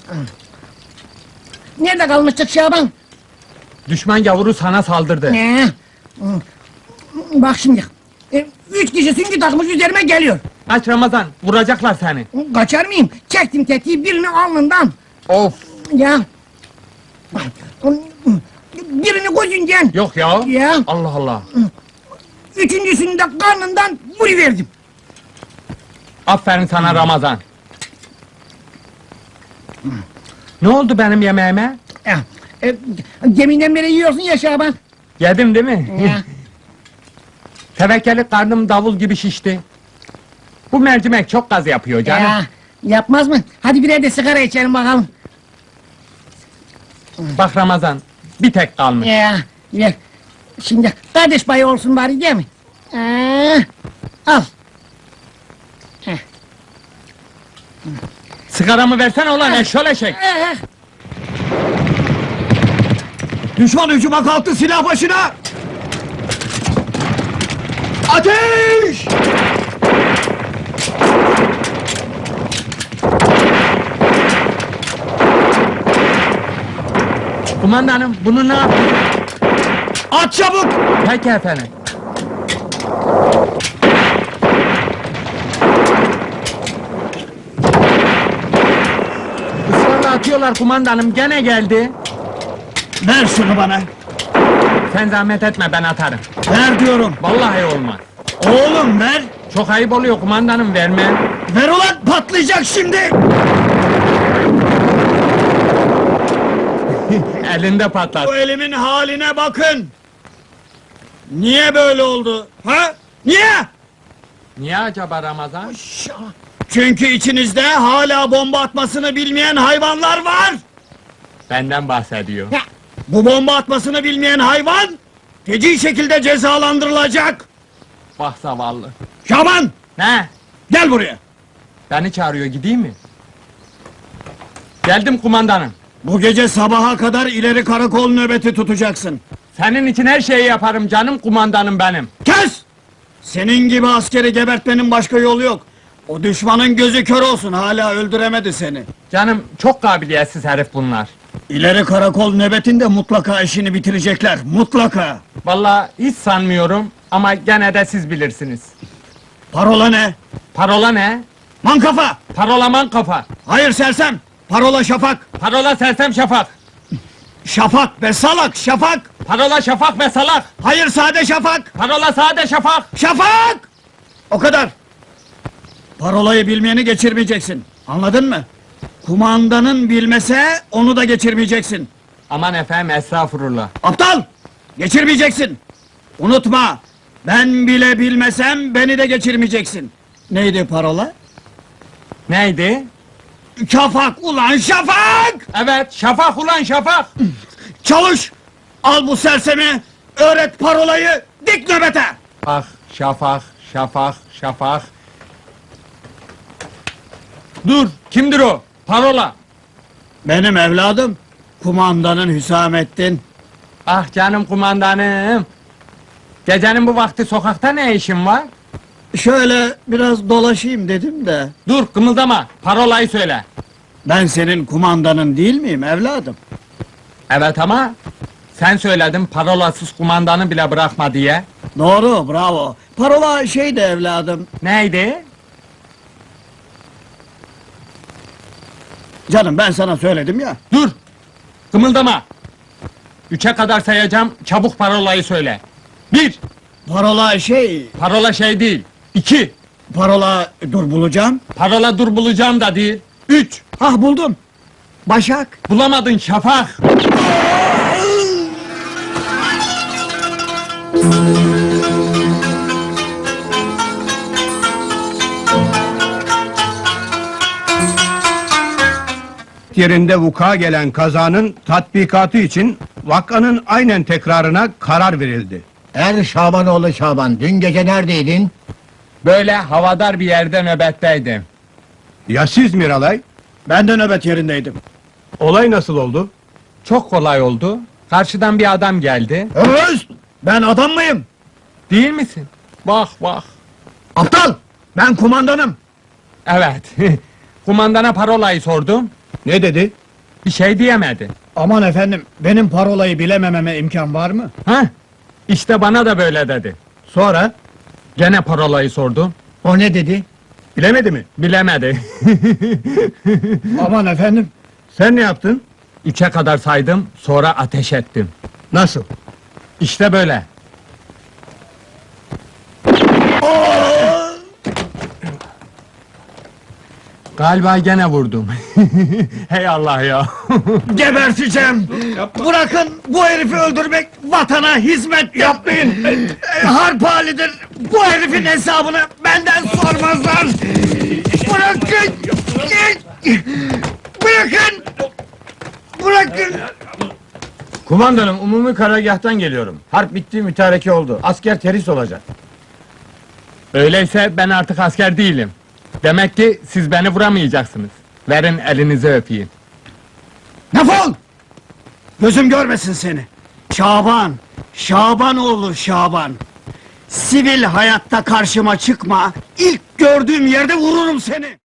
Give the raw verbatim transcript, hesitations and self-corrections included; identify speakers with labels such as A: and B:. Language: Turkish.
A: Nerede kalmıştık Şaban?
B: Düşman gavuru sana saldırdı.
A: Ne? Bak şimdi. E, üç kişi süngü takmış üzerime geliyor.
B: Kaç Ramazan, vuracaklar seni.
A: Kaçar mıyım? Çektim tetiği birini alnından.
B: Of!
A: Ya. Birini gözünden.
B: Yok ya.
A: Ya.
B: Allah Allah.
A: Üçüncüsünü de karnından vuruverdim.
B: Aferin sana Ramazan. Ne oldu benim yemeğime?
A: Ya. E, geminden beri yiyorsun ya Şaban.
B: Yedim değil mi?
A: Ya.
B: Tevekkeli karnım davul gibi şişti. Bu mercimek çok gaz yapıyor canım.
A: Ya, yapmaz mı? Hadi birer de sigara içelim bakalım.
B: Bak Ramazan, bir tek kalmış.
A: Ya, ver. Şimdi kardeş payı olsun bari değil mi? Ee, al. Heh.
B: Sigaramı versene ulan eşşol eşek!
A: Ee,
C: Düşman hücuma kalktı, silah başına! Ateş!
B: Kumandanım, bunu ne yapayım?
C: At çabuk!
B: Peki efendim. Israrla atıyorlar kumandanım, gene geldi.
C: Ver şunu bana!
B: Sen zahmet etme, ben atarım.
C: Ver diyorum!
B: Vallahi olmaz.
C: Oğlum ver!
B: Çok ayıp oluyor kumandanım, vermem.
C: Ver ulan, patlayacak şimdi!
B: Elinde patlat.
C: Bu elimin haline bakın! Niye böyle oldu? Ha? Niye?
B: Niye acaba Ramazan?
C: Çünkü içinizde hala bomba atmasını bilmeyen hayvanlar var!
B: Benden bahsediyor.
A: ya,
C: Bu bomba atmasını bilmeyen hayvan, feci şekilde cezalandırılacak!
B: Bak zavallı.
C: Şaban!
B: Ne?
C: Gel buraya!
B: Beni çağırıyor, gideyim mi? Geldim kumandanım.
C: Bu gece sabaha kadar ileri karakol nöbeti tutacaksın.
B: Senin için her şeyi yaparım canım kumandanım benim.
C: Kes! Senin gibi askeri gebertmenin başka yolu yok. O düşmanın gözü kör olsun, hala öldüremedi seni.
B: Canım çok kabiliyetsiz herif bunlar.
C: İleri karakol nöbetinde mutlaka işini bitirecekler, mutlaka!
B: Vallahi hiç sanmıyorum ama gene de siz bilirsiniz.
C: Parola ne?
B: Parola ne?
C: Mankafa!
B: Parolaman kafa.
C: Hayır sersem! Parola şafak!
B: Parola sersem şafak.
C: Şafak be salak, şafak!
B: Parola şafak ve salak.
C: Hayır sade şafak!
B: Parola sade şafak.
C: Şafak! O kadar! Parolayı bilmeyeni geçirmeyeceksin, anladın mı? Kumandanın bilmese, onu da geçirmeyeceksin.
B: Aman efendim estağfurullah.
C: Aptal! Geçirmeyeceksin! Unutma! Ben bile bilmesem, beni de geçirmeyeceksin. Neydi parola?
B: Neydi?
C: Şafak ulan şafak!
B: Evet şafak ulan şafak.
C: Çalış! Al bu sersemi, öğret parolayı, dik nöbete!
B: Bak şafak şafak şafak. Dur kimdir o? Parola.
C: Benim evladım, kumandanın Hüsamettin.
B: Ah canım kumandanım. Gecenin bu vakti sokakta ne işin var?
C: Şöyle biraz dolaşayım dedim de.
B: Dur kımıldama, parolayı söyle.
C: Ben senin kumandanın değil miyim evladım?
B: Evet ama sen söyledin parolasız kumandanı bile bırakma diye.
C: Doğru, bravo. Parola şeydi evladım.
B: Neydi?
C: Canım ben sana söyledim ya.
B: Dur! Kımıldama! Üçe kadar sayacağım, çabuk parolayı söyle. Bir!
C: Parola şey,
B: Parola şey değil. İki!
C: parola dur bulacağım.
B: Parola dur bulacağım da değil. Üç!
C: Ah buldum. Başak.
B: Bulamadın şafak!
D: yerinde vuku gelen kazanın tatbikatı için vakanın aynen tekrarına karar verildi.
E: Er Şabanoğlu Şaban, dün gece neredeydin?
B: Böyle havadar bir yerde nöbetteydim.
D: Ya siz Miralay?
C: Ben de nöbet yerindeydim.
D: Olay nasıl oldu?
B: Çok kolay oldu. Karşıdan bir adam geldi.
C: Öz! Ben adam mıyım?
B: Değil misin? Bak bak.
C: Aptal! Ben kumandanım.
B: Evet. Kumandana parolayı sordum.
D: Ne dedi?
B: Bir şey diyemedi.
C: Aman efendim, benim parolayı bilemememe imkan var mı?
B: Ha? İşte bana da böyle dedi.
D: Sonra?
B: Gene parolayı sordu.
E: O ne dedi?
D: Bilemedi mi?
B: Bilemedi.
C: Aman efendim,
D: Sen ne yaptın?
B: Üçe kadar saydım, sonra ateş ettim.
D: Nasıl?
B: İşte böyle. Galiba gene vurdum. Hey Allah ya.
C: geberteceğim! Bırakın bu herifi öldürmek, vatana hizmet yapmayın! Harp halidir, bu herifin hesabını benden sormazlar! Bırakın! Bırakın! Bırakın!
F: Kumandanım, umumi karargâhtan geliyorum. Harp bitti, mütareke oldu. Asker terhis olacak.
B: Öyleyse ben artık asker değilim. Demek ki siz beni vuramayacaksınız. Verin elinizi öpeyim.
C: Defol! Gözüm görmesin seni! Şaban! Şabanoğlu Şaban! Sivil hayatta karşıma çıkma, ilk gördüğüm yerde vururum seni!